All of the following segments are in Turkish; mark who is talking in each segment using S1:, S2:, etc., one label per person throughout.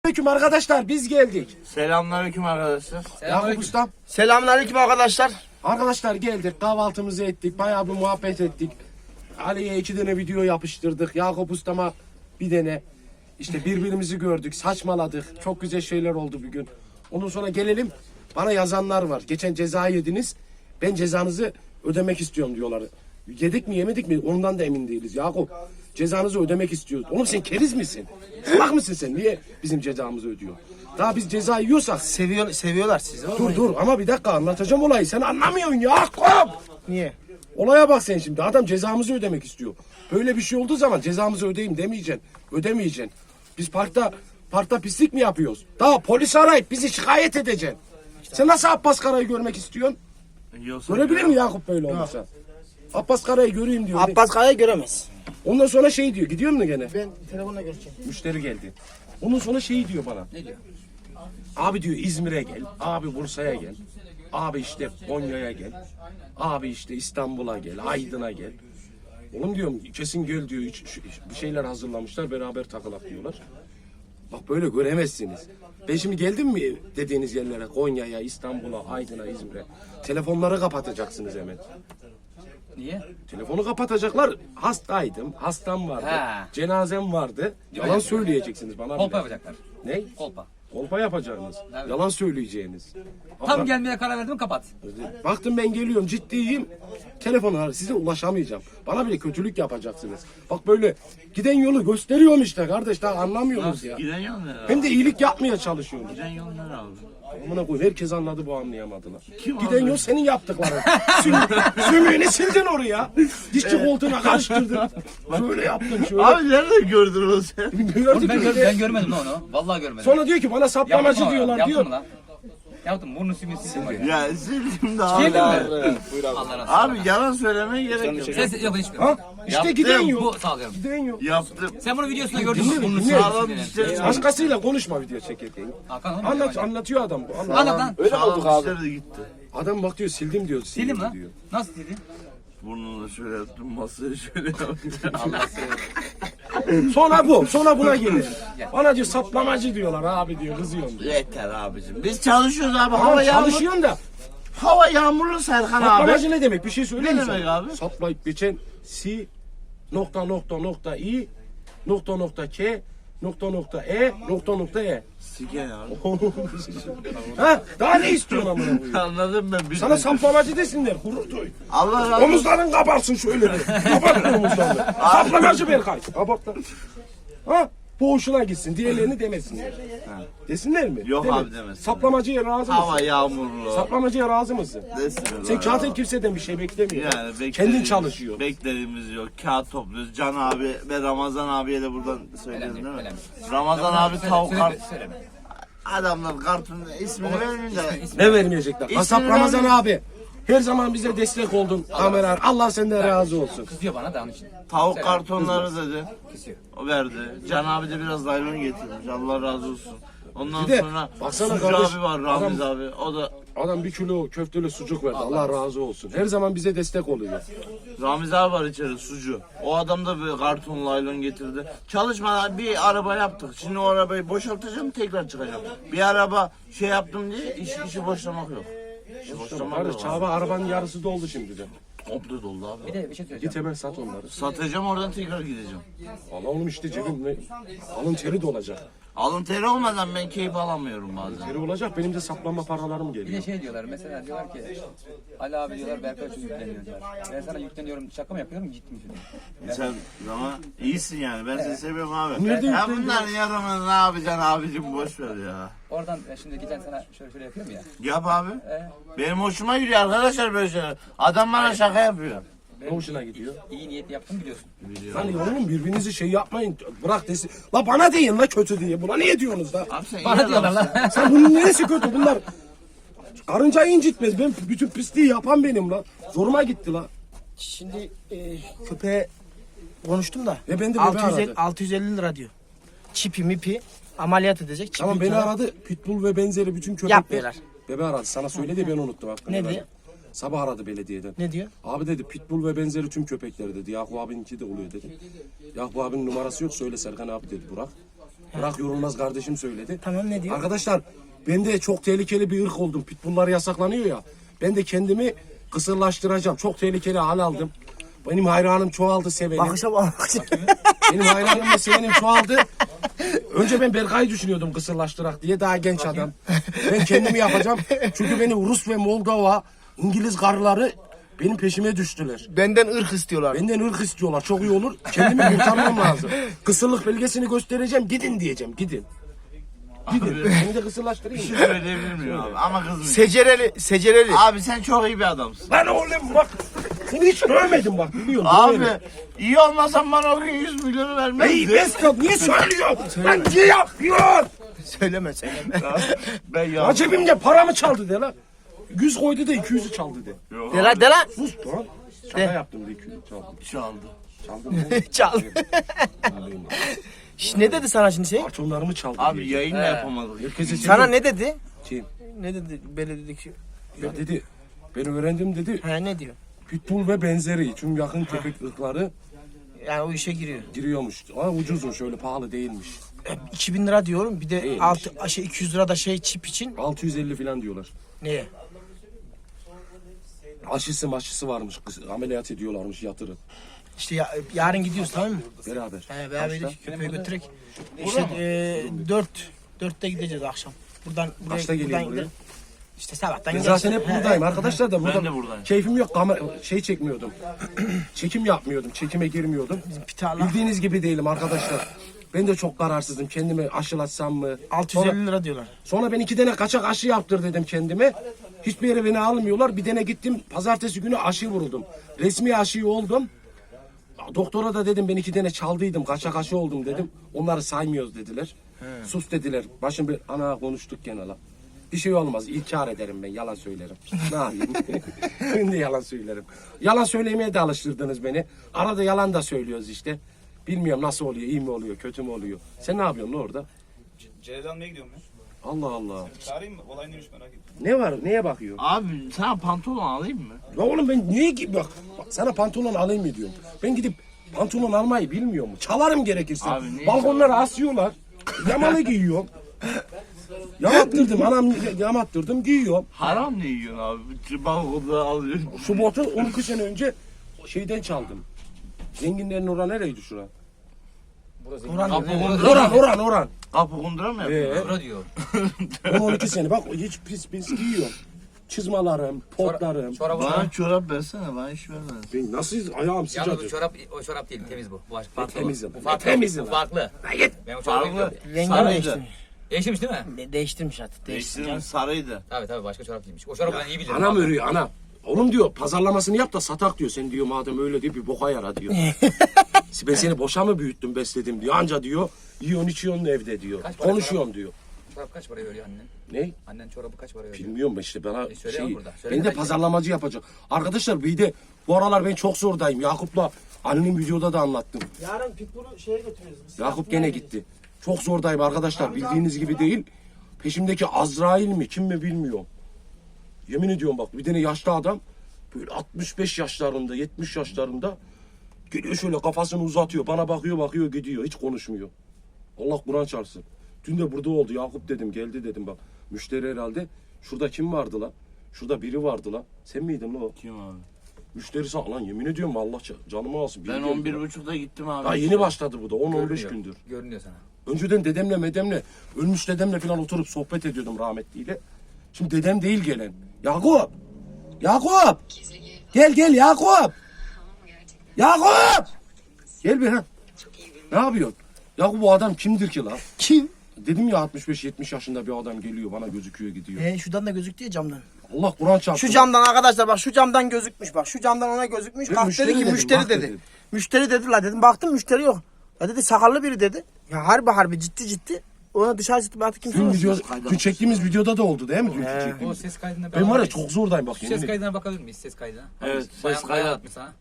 S1: Selamünaleyküm arkadaşlar, biz geldik.
S2: Selamünaleyküm arkadaşlar.
S1: Yakup Usta.
S3: Selamünaleyküm arkadaşlar.
S1: Arkadaşlar geldik, kahvaltımızı ettik, bayağı bir muhabbet ettik. Ali'ye 2 tane video yapıştırdık. Yakup Usta'ma bir tane. İşte birbirimizi gördük, saçmaladık. Çok güzel şeyler oldu bugün. Ondan sonra gelelim, bana yazanlar var. Geçen ceza yediniz, ben cezanızı ödemek istiyorum diyorlar. Yedik mi yemedik mi ondan da emin değiliz Yakup. Cezanızı ödemek istiyoruz. Oğlum sen keriz misin? Salak mısın sen? Niye bizim cezamızı ödüyor? Daha biz ceza yiyorsak...
S3: Seviyorlar sizi.
S1: Dur ama bir dakika anlatacağım olayı. Sen anlamıyorsun Yakup.
S3: Niye?
S1: Olaya bak sen şimdi. Adam cezamızı ödemek istiyor. Böyle bir şey olduğu zaman cezamızı ödeyeyim demeyeceksin. Ödemeyeceksin. Biz parkta pislik mi yapıyoruz? Daha polis arayıp bizi şikayet edeceksin. Sen nasıl Abbas Kara'yı görmek istiyorsun? Görebilir mi Yakup böyle olursa? Abbas Kara'yı göreyim diyor.
S3: Abbas Kaya'yı göremez.
S1: Ondan sonra şey diyor. Gidiyor mu gene?
S3: Ben telefonla göreceğim.
S1: Müşteri geldi. Ondan sonra şey diyor bana.
S2: Ne diyor?
S1: Abi diyor İzmir'e gel. Abi Bursa'ya gel. Abi işte Konya'ya gel. Abi işte İstanbul'a gel. Aydın'a gel. Oğlum diyorum kesin gel diyor. Bir şeyler hazırlamışlar beraber takılak diyorlar. Bak böyle göremezsiniz. Ben şimdi geldim mi dediğiniz yerlere Konya'ya, İstanbul'a, Aydın'a, İzmir'e. Telefonları kapatacaksınız hemen.
S2: Niye?
S1: Telefonu kapatacaklar. Hastaydım. Hastam vardı.
S2: Ha.
S1: Cenazem vardı. Yalan söyleyeceksiniz bana.
S2: Kolpa
S1: bile.
S2: yapacaklar.
S1: Ne?
S2: Kolpa.
S1: Kolpa yapacaksınız.
S2: Evet.
S1: Yalan söyleyeceğiniz.
S2: Tam
S1: Ama
S2: gelmeye karar verdim kapat.
S1: baktım ben geliyorum ciddiyim. Telefona size ulaşamayacağım. Bana bile kötülük yapacaksınız. Bak böyle giden yolu gösteriyorum işte kardeş daha anlamıyorsunuz ya.
S2: Giden yol ne abi?
S1: Hem de iyilik yapmaya çalışıyorum.
S2: Giden yol ne abi?
S1: Amına koyayım herkes anladı bu anlayamadılar.
S2: Kim
S1: Giden
S2: anladı?
S1: yol senin yaptıkların. Sümüğünü sildin oraya. Dişçi koltuğuna karıştırdın. Şöyle yaptın şöyle.
S2: Abi nerede gördün onu sen?
S1: Gördük
S2: Ben,
S1: öyle.
S2: ben görmedim lan onu. Vallahi görmedim.
S1: Sonra diyor ki bana saplamacı diyorlar
S2: Yaptım
S1: diyor.
S2: mı lan? Yaptım. Burnu simit sildim.
S4: Ya sildim de
S2: Geldin
S4: abi.
S2: mi? Allah razı olsun.
S4: Abi yalan söylemeye gerek yok.
S2: Sen yok hiçbir.
S1: Ha? İşte
S4: Yaptım.
S1: giden yol.
S2: Bu sağlıyorum.
S1: Giden yol.
S4: Yaptım.
S2: Sen bunu videosunda gördün mü? Burnu
S1: dinle.
S4: Sağlam
S2: simit
S4: dişleri.
S1: Başkasıyla konuşma video çekerken.
S2: Hakan oğlum.
S1: Anlatıyor adam bu.
S2: Anlat lan.
S3: Öyle mi olduk
S4: Sağlam
S3: abi?
S4: dişleri de gitti.
S1: Adam bak diyor sildim diyor.
S2: Sildim lan.
S1: diyor.
S2: Nasıl sildin?
S4: Burnunu şöyle yaptım, masayı şöyle yaptım.
S2: Allah seni.
S1: Sonra buna gelir. Bana diyor saplamacı diyorlar abi diyor kızıyorum diyor.
S4: Yeter abicim. Biz çalışıyoruz abi.
S1: Tamam
S4: Hava yağmurlu.
S1: çalışıyorsun da.
S4: Hava yağmurlu Serkan abi.
S1: Saplamacı ne demek? Bir şey söyleyeyim mi
S4: Ne
S1: sana?
S4: demek abi?
S1: Saplayıp geçen i k e.
S4: Siken abi.
S1: Ha? Daha ne istiyorsun amına koyayım?
S4: Anladım ben. Bir
S1: Sana saplamacı desinler. Gurur duy.
S4: Allah razı olsun.
S1: Omuzların kabarsın şöyle bir. Kabart omuzlarını. Saplamacı Berkay. Kabart lan. Ha? Bu hoşuna gitsin. Diğerlerini demesinler. Desinler mi?
S4: Yok
S1: Deme.
S4: abi demesin.
S1: Saplamacıya razı
S4: Hava
S1: mısın?
S4: yağmurlu.
S1: Saplamacıya razı mısın?
S4: Desin
S1: Sen
S4: abi.
S1: zaten kimseden bir şey beklemiyor.
S4: Yani
S1: Kendin
S4: beklediğimiz-
S1: çalışıyor.
S4: Beklediğimiz yok. Kağıt topluyoruz. Can abi ve Ramazan abiye de buradan söyleyelim değil mi?
S2: önemli.
S4: Ramazan abi tavuk kart.
S2: Söyleme.
S4: Adamlar kartın ismini vermiyor da.
S1: Ne vermeyecekler?
S4: İsmini
S1: Asap Ramazan
S4: vermiyor.
S1: abi. Her zaman bize destek oldun. Kameran. Allah senden razı olsun.
S2: Kızıyor bana da onun için.
S4: Tavuk kartonları dedi.
S2: Kızıyor.
S4: O verdi. Can abi de biraz naylon getirmiş. Allah razı olsun. Ondan
S1: Bir de
S4: sonra
S1: baksana
S4: Sucu
S1: kardeş,
S4: abi var, Ramiz
S1: adam-
S4: abi. O da
S1: Adam 1 kilo köfteli sucuk verdi. Allah razı olsun. Her zaman bize destek oluyor.
S4: Ramiz abi var içeri sucu. O adam da bir karton naylon getirdi. Çalışmadan bir araba yaptık. Şimdi o arabayı boşaltacağım tekrar çıkacağım. Bir araba şey yaptım diye işi boşlamak yok. İşi boşlamak
S1: Kardeş
S4: yok.
S1: Çağba arabanın yarısı doldu şimdi de.
S4: Komple doldu abi.
S2: Bir de bir şey söyleyeceğim.
S1: Git hemen sat onları.
S4: Satacağım oradan tekrar gideceğim.
S1: Allah oğlum işte cebim ne? Alın teri de olacak.
S4: Alın teri olmadan ben keyif alamıyorum bazen.
S1: Teri olacak benim de saplanma paralarım
S2: Bir de
S1: geliyor.
S2: şey diyorlar mesela diyorlar ki Ali abi diyorlar Berkay çok yükleniyor diyorlar. Ben sana yükleniyorum şaka mı yapıyorum ciddi mi söylüyorum.
S4: Sen ama iyisin yani. Ben seni seviyorum abi.
S1: Nerede
S4: Ya
S1: yüklendi?
S4: bunlar yarımı ne yapacaksın abicim boş ver ya.
S2: Oradan şimdi giden sana şöyle yapıyorum ya.
S4: Yap abi. Benim hoşuma gidiyor arkadaşlar böyle şeyler. Adam bana şaka yapıyor.
S1: Ne hoşuna gidiyor?
S2: İyi niyet yaptım biliyorsun.
S1: Hani oğlum birbirinizi şey yapmayın. Bırak desin. La bana deyin la kötü diye. Buna niye diyorsunuz la?
S4: Abi sen iyi
S2: Bana diyorlar
S4: adamsın.
S2: lan.
S1: Sen bunun neresi kötü? Bunlar karıncayı incitmez. Ben bütün pisliği yapan benim la. Zoruma gitti la.
S3: Şimdi köpeğe konuştum da.
S1: Ve ben de bebe
S3: 650,
S1: aradı.
S3: 650 lira diyor. Çipi mipi ameliyat edecek. Çipi
S1: Tamam beni
S3: falan.
S1: aradı. Pitbull ve benzeri bütün köpekler.
S3: Yapmıyorlar.
S1: Bebe aradı. Sana söyledi ben unuttum. Hakkını
S3: Ne
S1: helal
S3: diyor?
S1: et. Sabah aradı belediyeden.
S3: Ne diyor?
S1: Abi dedi Pitbull ve benzeri tüm köpekleri dedi. Yakup abininki de oluyor dedi. Yakup abinin numarası yok söyle Serkan abi dedi Burak. Burak Yorulmaz kardeşim söyledi.
S3: Tamam, ne diyor?
S1: Arkadaşlar ben de çok tehlikeli bir ırk oldum. Pitbulllar yasaklanıyor ya. Ben de kendimi kısırlaştıracağım. Çok tehlikeli hal aldım. Benim hayranım çoğaldı, sevenim.
S3: Bakışa bak.
S1: Benim hayranım ve sevenim çoğaldı. Önce ben Berkay'ı düşünüyordum kısırlaştırak diye, daha genç adam. Ben kendimi yapacağım. Çünkü beni Rus ve Moldova, İngiliz karıları benim peşime düştüler.
S3: Benden ırk istiyorlar.
S1: Benden ırk istiyorlar. Çok iyi olur. Kendimi kurtarmam lazım. Kısırlık belgesini göstereceğim. Gidin diyeceğim. Gidin. Gidin. Beni de kısırlaştırayım
S4: Bir
S1: mı?
S4: şey söyleyebilir miyim abi? Ama kızmayın.
S3: Secereli.
S4: Abi sen çok iyi bir adamsın.
S1: Lan oğlum bak. Seni hiç dövmedim bak, biliyorum.
S4: Abi
S1: dövmedim.
S4: iyi olmasan bana o gün 100 milyonu vermez.
S1: Ey Mesut, niye söylüyorsun? Lan niye yapıyorsun?
S3: Söyleme.
S4: Ben ya.
S1: Ya cebimde paramı çaldı de lan. 100 koydu da 200'ü çaldı de.
S3: De lan.
S1: Sus lan. Şaka yaptım da 200'ü çaldı.
S4: Çaldı.
S1: Çaldım mı?
S3: Çal. Şş, ne dedi sana şimdi şey?
S1: Kartonlarımı çaldı.
S4: Abi
S1: diye.
S4: yayın da yapamadık.
S1: Herkese
S3: Sana ne dedi?
S1: Kim?
S3: Ne dedi? Böyle dedik.
S1: Ya dedi. Ben öğrendim dedi.
S3: Ha, ne diyor?
S1: Pitbull ve benzeri tüm yakın köpek ırkları
S3: Yani o işe giriyor.
S1: giriyormuş. Ama ucuzmuş, öyle pahalı değilmiş.
S3: 2000 lira diyorum. Bir de
S1: Değilmiş.
S3: 200 lira da şey çip için.
S1: 650 falan diyorlar.
S3: Neye?
S1: Aşısı varmış. Ameliyat ediyorlarmış, yatırın.
S3: İşte yarın gidiyoruz, tamam mı?
S1: Beraber.
S3: Beraber
S1: Kaçta?
S3: köpeği götürek. İşte 4'te gideceğiz akşam. Buradan
S1: Kaçta geleyim buraya?
S3: gidelim. İşte sabahtan
S1: Ben
S3: gideceğiz.
S1: zaten hep buradayım arkadaşlar da burada
S4: de buradayım.
S1: keyfim yok, şey çekmiyordum. Çekim yapmıyordum, çekime girmiyordum.
S3: Pitarla.
S1: Bildiğiniz gibi değilim arkadaşlar. Ben de çok kararsızım, kendimi aşılatsam mı?
S3: 650 lira diyorlar.
S1: Sonra ben 2 tane kaçak aşı yaptır dedim kendime. Hiçbir yere beni almıyorlar. Bir tane gittim, pazartesi günü aşı vuruldum. Resmi aşıyı oldum. Doktora da dedim ben 2 tane çaldıydım, kaçak aşı oldum dedim. Onları saymıyoruz dediler. Sus dediler. Başım bir ana konuştuk gene la. Bir şey olmaz. İnkar ederim ben. Yalan söylerim. Ne yapayım? Ben de yalan söylerim. Yalan söylemeye de alıştırdınız beni. Arada yalan da söylüyoruz işte. Bilmiyorum nasıl oluyor. İyi mi oluyor? Kötü mü oluyor? Sen ne yapıyorsun lan orada?
S5: Celal almaya gidiyorum ya.
S1: Allah Allah.
S5: Çağırayım mı? Olay neymiş merak ettim.
S1: Ne var? Neye bakıyor?
S4: Abi sana pantolon alayım mı?
S1: Ya oğlum ben niye ki bak sana pantolon alayım mı diyorum. Ben gidip pantolon almayı bilmiyor mu? Çalarım gerekirse.
S4: Abi ne
S1: Balkonlara asıyorlar. Yamalı giyiyorum. Yamattırdım. Anam yamattırdım giyiyorum.
S4: Haram ne yiyorsun abi? Bir balkonda alıyorsun.
S1: Şu botu 12 sene önce şeyden çaldım. Zenginlerin oran nereydi şura? Oran.
S4: Kapı kundura mı yapıyorsun?
S2: Sonra diyor.
S1: 12 sene bak hiç pis giyiyorum. Çizmalarım, potlarım.
S2: Çorabı
S4: Bana çorap versene, bana iş vermez.
S1: Ben nasıl ayağım
S2: Yalnız bu
S1: sıcacık.
S2: çorap, o çorap değil, temiz bu. Bu farklı.
S1: Temizim.
S2: Bu farklı.
S1: Temizim.
S2: Bu farklı.
S1: Git.
S2: Ben o çorabı
S4: Farklı.
S2: bilmiyorum.
S3: Rengini
S4: Sarıydı.
S3: değiştirmiş.
S2: Değiştirmiş değil mi?
S3: Değiştirmiş artık.
S4: Değiştirme sarıydı.
S2: Tabii başka çorap giymiş. O çorabı ben iyi bilirim.
S1: Anam
S2: abi.
S1: örüyor ana. Oğlum diyor pazarlamasını yap da satak diyor. Sen diyor madem öyle diyor bir boka yara diyor. Ben seni boşa mı büyüttüm besledim diyor. Anca diyor yiyorsun içiyorsun evde diyor.
S2: Kaç para
S1: Konuşuyorum diyor.
S2: Çorap kaç paraya veriyor annen?
S1: Ne?
S2: Annen çorabı kaç paraya veriyor?
S1: Bilmiyorum işte bana
S2: söyle
S1: şey.
S2: burada, söyle
S1: Ben de
S2: belki.
S1: pazarlamacı yapacağım. Arkadaşlar bir de bu aralar ben çok zordayım. Yakup'la annenin videoda da anlattım.
S3: Yarın Pitbull'u şeye götürüyoruz.
S1: Yakup gene gitti. Çok zordayım arkadaşlar. Bildiğiniz gibi değil. Peşimdeki Azrail mi kim mi bilmiyorum. Yemin ediyorum bak bir tane yaşlı adam böyle 65 yaşlarında 70 yaşlarında geliyor şöyle kafasını uzatıyor. Bana bakıyor gidiyor. Hiç konuşmuyor. Allah Kur'an çarpsın. Dün de burada oldu. Yakup dedim geldi dedim bak. Müşteri herhalde. Şurada kim vardı la? Şurada biri vardı la. Sen miydin la o?
S4: Kim abi?
S1: Müşterisi lan yemin ediyorum Allah canımı alsın.
S4: Ben
S1: Biri geldi.
S4: 11.30'da gittim abi.
S1: Daha yeni başladı bu da 10-15
S2: Görünüyor.
S1: gündür.
S2: Görünüyor sana.
S1: Önceden dedemle medemle, ölmüş dedemle falan oturup sohbet ediyordum rahmetliyle. Şimdi dedem değil gelen. Yakup! Yakup! Gel Yakup! Yakup! Gel bir ha. Ne yapıyorsun? Yakup bu adam kimdir ki lan?
S3: Kim?
S1: Dedim ya 65-70 yaşında bir adam geliyor bana gözüküyor gidiyor.
S3: Şuradan da gözüktü ya camdan.
S1: Allah Kur'an çarpsın.
S3: Şu camdan arkadaşlar bak şu camdan gözükmüş bak. Şu camdan ona gözükmüş.
S1: Ben
S3: Kalk
S1: müşteri
S3: dedi ki
S1: dedim,
S3: müşteri
S1: bak
S3: dedi.
S1: dedim.
S3: Müşteri dedi la dedim. Baktım müşteri yok. Ya dedi sakallı biri dedi. Ya harbi ciddi. Ona dışarı çıktı artık kimse
S1: Dün,
S3: yok.
S1: dün çektiğimiz videoda da oldu değil mi? Dünkü
S2: O
S1: çektiğimiz.
S2: ses kaydına
S1: Ben var ya çok zordayım bak.
S2: Ses
S1: yemin ederim.
S2: kaydına bakabilir miyiz? Ses kaydına.
S4: Evet,
S2: Bayan
S4: ses kaydı.
S2: atmış sana.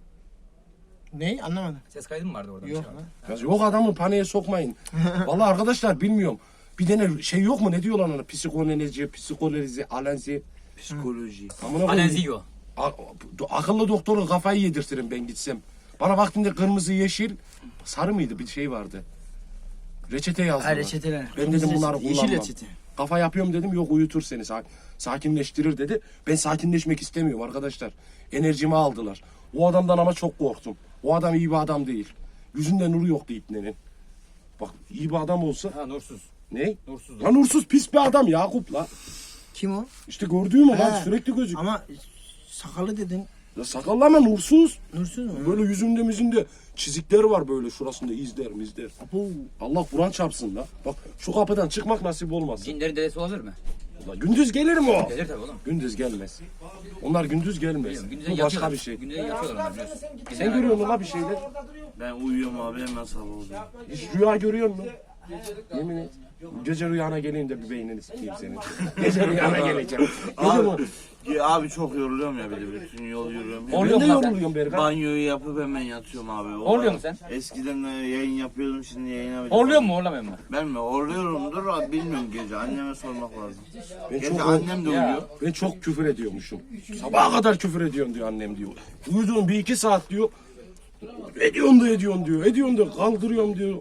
S3: Ne? Anlamadım.
S2: Ses kaydı mı vardı orada?
S3: Yok.
S1: Ya yok adamı paniğe sokmayın. Vallahi arkadaşlar bilmiyorum. Bir tane şey yok mu ne diyorlar ona? Psikoloji, alenzi.
S4: Psikoloji.
S1: Amına koyayım.
S2: Alenziyo.
S1: Akıllı doktorun kafayı yedirtirim ben gitsem. Bana vaktinde kırmızı, yeşil, sarı mıydı bir şey vardı. Reçete yazdılar.
S3: Ha, reçeteler.
S1: Ben dedim bunları
S3: Yeşil
S1: kullanmam.
S3: reçete.
S1: Kafa yapıyorum dedim, yok uyutur seni, sakinleştirir dedi. Ben sakinleşmek istemiyorum arkadaşlar. Enerjimi aldılar. O adamdan ama çok korktum. O adam iyi bir adam değil. Yüzünde nuru yoktu ipnenin. Bak iyi bir adam olsa.
S2: Ha nursuz.
S1: Ne?
S2: Nursuz.
S1: Lan nursuz pis bir adam Yakup la.
S3: Kim o?
S1: İşte gördüğüm o
S3: He.
S1: bak sürekli gözük.
S3: Ama sakallı dedin.
S1: Ya sakallı ama nursuz.
S3: Nursuz mu?
S1: Böyle yüzünde müzünde çizikleri var böyle şurasında izler.
S3: Abo.
S1: Allah Kur'an çarpsın la. Bak şu kapıdan çıkmak nasip olmaz.
S2: Cinlerin dedesi olabilir mi?
S1: Ulan gündüz gelir mi o?
S2: Gelir tabii oğlum.
S1: Gündüz gelmez. Onlar gündüz gelmez.
S2: Gündüze
S1: Bu başka
S2: yatıyorlar.
S1: bir şey.
S2: Gündüze yatıyorlar onlar biliyorsun.
S1: Sen görüyor musun la bir şeyler?
S4: Ben uyuyorum abi hemen sabah oluyor.
S1: Hiç rüya görüyor musun? Yemin et. Gece rüyana geleyim de bir beynini sikeyim senin. Gece rüyana geleceğim. Gece mi?
S4: Abi çok yoruluyorum ya bir de bütün yol yürüyorum.
S1: Ben
S2: Oluyor
S1: de
S2: mu lan sen?
S1: yoruluyorum Berkan.
S4: Banyoyu yapıp hemen yatıyorum abi.
S2: Horluyor musun sen?
S4: Eskiden yayın yapıyordum şimdi yayına.
S2: Horluyor mu horlamıyor mu?
S4: Ben mi? Horluyorumdur abi bilmiyorum gece. Anneme sormak lazım.
S1: Ben
S4: Gece
S1: çok,
S4: annem de uyuyor.
S1: ben çok küfür ediyormuşum. Sabaha kadar küfür ediyorsun diyor annem diyor. Uyuduğun bir iki saat diyor. Ediyorsun da ediyorsun diyor. Ediyorsun da kaldırıyorum diyor.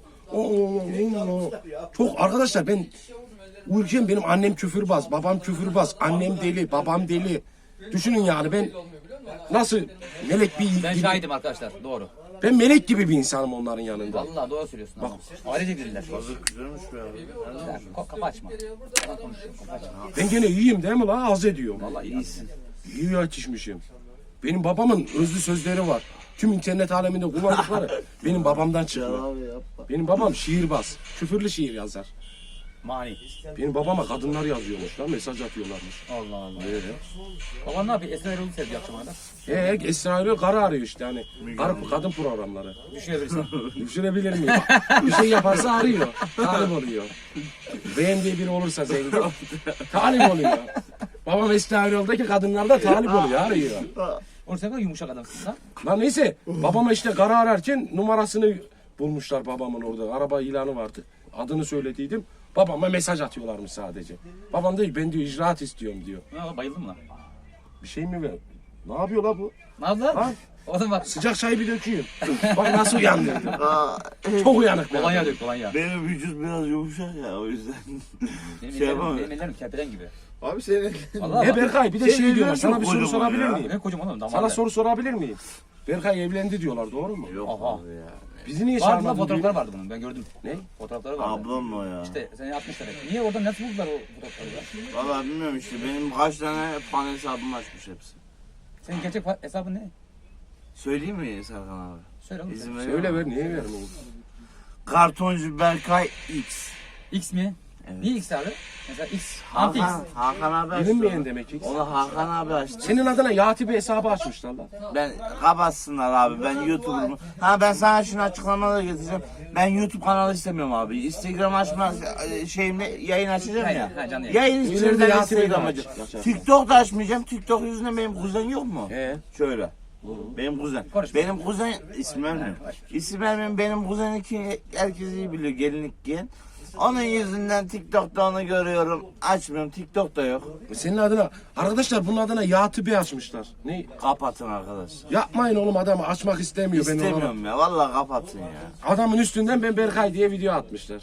S1: Çok arkadaşlar ben uyurken benim annem küfürbaz, babam küfürbaz, annem deli, babam deli. Düşünün yani ben nasıl melek bir
S2: Ben
S1: gibi,
S2: şahidim arkadaşlar doğru.
S1: ben melek gibi bir insanım onların yanında.
S2: Vallahi doğru söylüyorsun abi. Ailece dediler.
S4: Güzelmiş be abi.
S2: Kapı açma. Adam konuşuyor, kapı açma.
S1: Ben gene iyiyim değil mi la? Az ediyorum.
S2: Vallahi iyisin.
S1: İyi yetişmişim. Benim babamın özlü sözleri var. Tüm internet aleminde kullandıkları benim babamdan çıkma.
S4: Abi yapma.
S1: Benim babam şiirbaz. Küfürlü şiir yazar.
S2: Mani.
S1: Benim babama kadınlar yazıyormuş lan, mesaj atıyorlarmış.
S2: Allah Allah. Baban ne yapıyor? Esra Erol'u sevdi akşama kadar.
S1: Esra Erol karı arıyor işte hani. Kadın programları.
S2: Düşünebilirsin.
S1: Düşürebilir miyim? Bir şey yaparsa arıyor. Talip oluyor. Beğendiği biri olursa zengin. Talip oluyor. Babam Esra Erol'daki kadınlarda talip oluyor, arıyor.
S2: Oğlum sen kadar yumuşak adamsın lan.
S1: Lan neyse babama işte karı ararken numarasını bulmuşlar babamın orada. Araba ilanı vardı. Adını söylediydim. Babama mesaj atıyorlarmış sadece. Babam diyor ben diyor icraat istiyorum diyor.
S2: Ha, bayıldın mı lan?
S1: Bir şey mi ver? Ne yapıyor la bu?
S2: Ne yaptın lan?
S1: Ha?
S2: Oğlum bak.
S1: Sıcak çayı bir dökeyim. Bak nasıl uyandı. Çok uyanık.
S2: Kolonya dök kolonya.
S4: Benim vücut biraz yumuşak ya o yüzden.
S2: Benim
S4: Şey yapamam.
S2: ellerim kerpeden gibi.
S4: Abi senin...
S2: Vallahi
S1: E
S2: bak.
S1: Berkay bir de şey diyorlar. Sana bir soru
S4: kocaman
S1: sorabilir
S4: ya.
S1: miyim?
S2: Ne kocaman oğlum damarlar.
S1: Sana soru sorabilir miyim? Berkay evlendi diyorlar, doğru mu?
S4: Yok
S2: Aha.
S4: abi ya.
S1: Bizi niye
S2: Vardı lan
S1: çağırmadın?
S2: fotoğrafları
S1: diyor.
S2: vardı bunun ben gördüm.
S1: Ne?
S2: Fotoğrafları vardı.
S4: Ablam mı o ya?
S2: İşte seni atmışlar hep. Niye oradan nasıl buldular o fotoğrafları ya?
S4: Valla bilmiyorum işte benim kaç tane fan hesabım açmış hepsi.
S2: Senin gerçek hesabın ne?
S4: Söyleyeyim mi Serkan abi?
S2: Söyle oğlum.
S4: İzin veriyor
S1: Söyle
S4: musun?
S1: ver, niye vermiyorsun?
S4: Kartoncu Berkay X.
S2: X mi?
S4: Evet.
S2: Niye X abi? Mesela X. Anti X.
S4: Hakan abi açtı.
S1: Bilinmeyen demek ki.
S4: Onu Hakan abi açtı.
S1: Senin adına Yati bir hesabı açmışlar lan.
S4: Ben kapatsınlar abi ben YouTube'umu. Ha ben sana şunu açıklamaları getireceğim. Ben YouTube kanalı istemiyorum abi. Instagram açma şeyimle yayın açacağım ya.
S2: Ha, canlı yayın.
S4: Yayın
S1: İleride
S4: içinden
S1: Yasin'i de
S4: Instagram
S1: aç.
S4: açacağım. TikTok da açmayacağım. TikTok yüzünden benim kuzen yok mu? Şöyle. Benim kuzen.
S2: Konuş.
S4: Benim kuzen isim vermiyorum. İsim vermiyorum. Benim kuzen ki herkes iyi biliyor gelinlik giyen. Onun yüzünden TikTok'ta onu görüyorum. Açmıyorum. TikTok'ta yok.
S1: Senin adına, arkadaşlar bunun adına Yati bir açmışlar. Ne?
S4: Kapatın arkadaş.
S1: Yapmayın oğlum, adamı açmak istemiyor. Ben ona.
S4: İstemiyorum ya. Vallahi kapatın ya.
S1: Adamın üstünden ben Berkay diye video atmışlar.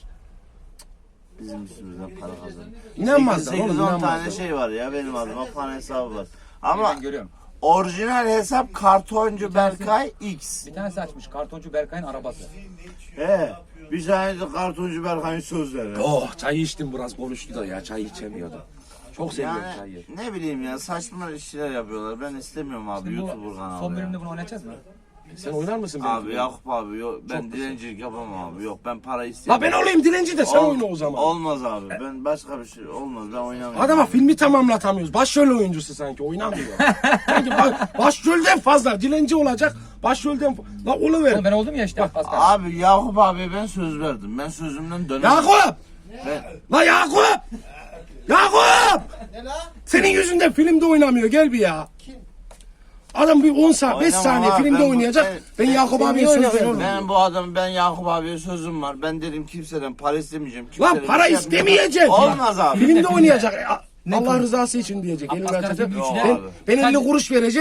S4: Bizim üstümüzden para kazanıyor.
S1: İnanmazlar
S4: 8-10
S1: oğlum,
S4: tane
S1: inanmazlar.
S4: şey var ya benim adıma fan hesabı var. Ama
S2: Ben görüyorum.
S4: orijinal hesap Kartoncu Berkay X.
S2: Bir tanesi açmış. Kartoncu Berkay'ın arabası.
S4: He. Bir tane de Kartoncu Berkay'ın sözleri.
S1: Oh çay içtim, biraz konuştu da ya, çay içemiyordum. Çok seviyorum çayı.
S4: Yani ne bileyim ya saçma işler yapıyorlar. Ben istemiyorum abi YouTuber kanalı
S2: Son
S4: ya.
S2: bölümde bunu oynayacağız mı?
S1: Sen oynar mısın
S4: Abi
S1: benimle?
S4: Yakup abi yok ben dilencilik yapamam abi yok ben para
S1: La
S4: istemiyorum.
S1: ben olayım dilenci de sen oyna o zaman.
S4: Olmaz abi ben başka bir şey olmaz ben oynamıyorum.
S1: Adama filmi tamamlatamıyoruz. Başrol oyuncusu sanki, oynamıyor. Sanki başrolden fazla dilenci olacak. Başrolden la oluver.
S2: Oğlum ben oldum ya işte. Az kaldı.
S4: Abi Yakup abi ben söz verdim ben sözümden dönemem.
S1: Yakup!
S4: Ben...
S1: La Yakup! Yakup! Senin yüzünden filmde oynamıyor, gel bir ya. Adam bir 10 saat, 5
S4: Oynamam
S1: saniye
S4: abi,
S1: filmde
S4: ben bu-
S1: oynayacak. Ben Yakup
S3: Sen
S1: abiye
S3: niye
S1: söz
S3: oynamıyorsun?
S1: veriyorum.
S4: Ben Yakup abiye sözüm var. Ben dedim kimseden para istemeyeceğim.
S1: Lan
S4: kimseden
S1: para
S4: bir şey
S1: istemeyecek.
S4: Olmaz abi.
S1: Filmde oynayacak. Allah rızası için diyecek. Elini
S2: Asgari
S1: açacak.
S2: ücret
S1: Ben,
S4: abi.
S1: ben 50 kuruş vereceğim.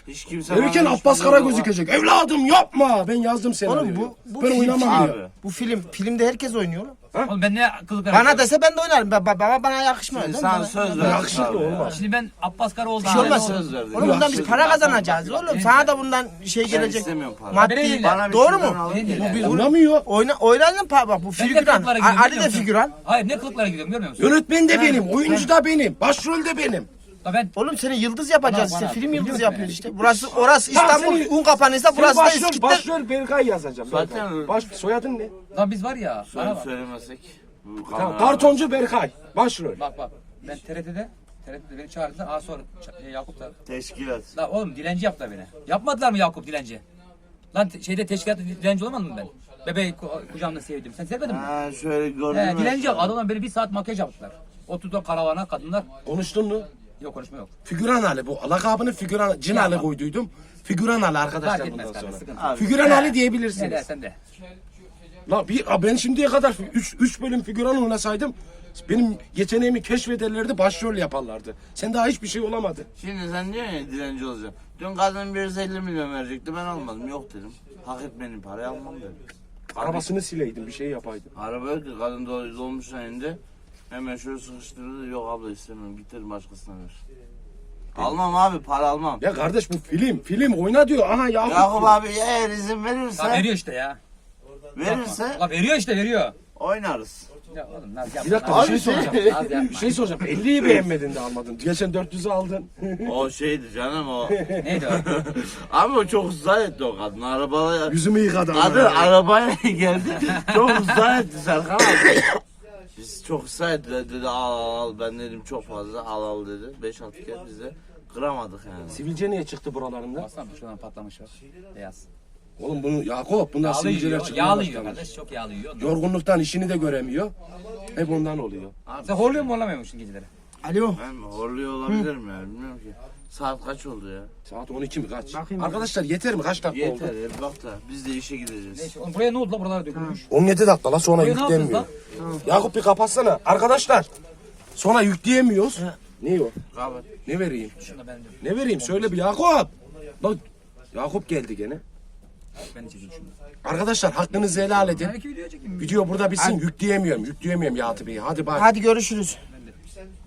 S4: Hiç kimse
S1: Verirken
S4: bana hiç
S1: Abbas
S4: bir
S1: Kara
S4: laf-
S1: gözükecek. Evladım yapma. Ben yazdım senaryoyu.
S3: Oğlum bu
S1: ben
S3: film,
S1: oynamam
S4: Abi.
S1: diyor.
S3: bu filmde herkes oynuyor. oğlum.
S2: Oğlum ben ne kılık
S3: Bana dese ben de oynarım. Baba bana yakışmıyor.
S4: Şimdi
S3: değil mi?
S4: sana
S3: Bana-
S4: söz ver.
S1: Yakışıklı olmaz.
S2: Şimdi ben Abbas Kara oldum.
S3: Bir şey olmaz.
S4: söz verdim.
S3: Oğlum bundan biz
S4: Söz
S3: para
S4: verdim.
S3: kazanacağız oğlum. Sana da bundan şey gelecek.
S4: istemiyorum para.
S3: Maddi.
S2: Bana
S4: Bana bir
S3: Doğru
S4: şeyden
S3: mu?
S4: alın
S2: Benim
S4: gel.
S2: değil.
S1: Anlamıyor.
S3: Oynadın bak bu
S2: Ben ne
S3: figüran.
S2: kılıklara gidiyorum
S3: Ali
S2: biliyor
S3: de
S2: musun?
S3: figüran.
S2: Hayır ne kılıklara gidiyorum görmüyor musun?
S1: Yönetmen de benim. Oyuncu da benim. Başrol de benim.
S2: Da ben
S3: Oğlum seni yıldız yapacağız
S2: Bana-
S3: işte.
S2: bana-
S3: Film yıldızı
S2: biliyorsun
S3: yapıyoruz
S2: yani.
S3: işte. Orası İstanbul
S1: seni-
S3: un kapanıysa burası da
S1: başrol,
S3: İskitler.
S1: başrol Berkay yazacağım.
S4: Zaten-
S1: Berkay. Soyadın ne?
S2: lan biz var ya. Bana bak.
S4: Söylemesek. bu
S1: Tamam,
S4: kamera-
S1: kartoncu Berkay. Başrol.
S2: Bak. Ben TRT'de beni çağırdılar. Aa sonra Yakup da.
S4: Teşkilat.
S2: La oğlum dilenci yaptılar beni. Yapmadılar mı Yakup dilenci? Lan şeyde teşkilatta dilenci olamadım mı ben? Bebeği kucağımda sevdim. Sen sevmedin mi?
S4: Ha şöyle gördün mü?
S2: Dilenci yap. Adamlar beni bir saat makyaj yaptılar. Oturdu karavana kadınlar.
S1: Konuştun mu?
S2: Yok konuşma yok.
S1: Figüran Ali bu. Lakabını Figüran Cin Ali koyduydum. Figüran Ali arkadaşlar
S2: Fark
S1: bundan
S2: etmez
S1: sonra.
S2: kardeşim. Sıkıntı.
S4: Abi,
S1: Figüran Ali
S2: Ne
S1: diyebilirsiniz.
S2: dersen de.
S1: La ben şimdiye kadar 3 bölüm figüran oynasaydım benim yeteneğimi keşfederlerdi, başrol yaparlardı. Sen daha hiçbir şey olamadın.
S4: Şimdi sen diyorsun ya dilenci olacağım. Dün kadın 150 milyon verecekti ben almadım. Yok dedim. Hak etmenin parayı almam dedim.
S1: Arabasını sileydin, bir şey yapaydın.
S4: Araba yok ki kadın dolmuş indi. Hemen şöyle sıkıştırdı. Yok abla istemiyorum. Git dedim başkasına ver. Almam abi para almam.
S1: Ya kardeş bu film oyna diyor. Aha Yakup.
S4: Yakup abi eğer izin verirse.
S2: La veriyor işte ya.
S4: Verirse
S2: La veriyor işte veriyor.
S4: oynarız.
S2: Ya oğlum naz yapma.
S1: Bir dakika
S2: naz
S1: bir şey
S2: yapma.
S1: soracağım.
S2: Naz yapma.
S1: Bir şey soracağım. 50'yi beğenmedin de almadın. Geçen 400'ü aldın.
S4: O şeydi canım o.
S2: Neydi o?
S4: Abi o çok ısrar etti o kadın. Arabaya
S1: Yüzümü yıkadı.
S4: kadın arabaya geldi. Çok ısrar etti Serkan abi. Biz çok ısrar etti. Dedi al ben dedim çok fazla al dedi. 5-6 kere bize kıramadık yani.
S1: Sivilce niye çıktı buralarında?
S2: Baksana şuradan patlamış var. Beyaz.
S1: Oğlum bunu Yakup bundan
S2: Yağlı
S1: sivilceler
S2: yiyor.
S1: çıkmaya
S2: Yağlı yiyor
S1: başlamış.
S2: kardeş. Çok yağlı yiyor.
S1: Yorgunluktan işini de göremiyor. Hep ondan oluyor.
S2: Sen horluyor mu horlamıyor musun geceleri?
S3: Alo.
S4: Ben horluyor olabilirim ya bilmiyorum ki. Saat kaç oldu ya?
S1: Saat 12 mi kaç?
S3: Bakayım.
S1: Arkadaşlar yeter mi? Kaç dakika
S4: Yeter
S1: oldu?
S4: ya bir bak da biz de işe gideceğiz.
S2: Neyse oğlum buraya ne oldu la buralara dökülmüş.
S1: 17 dakika la sonra
S2: Buraya ne yapıyoruz
S1: yüklemiyor. Yakup bir kapatsana. Arkadaşlar sonra yükleyemiyoruz. Ne o?
S4: Kapat.
S1: Ne vereyim?
S2: Şunu da ben de.
S1: Ne vereyim? Söyle bir Yakup. Bak Yakup geldi gene.
S2: Ben de çekeyim şunu.
S1: Arkadaşlar hakkınızı helal edin.
S2: Belki video çekeyim.
S1: Video burada bitsin. Yükleyemiyorum. Yükleyemiyorum Yakup Bey'i. Hadi bay.
S3: Hadi görüşürüz.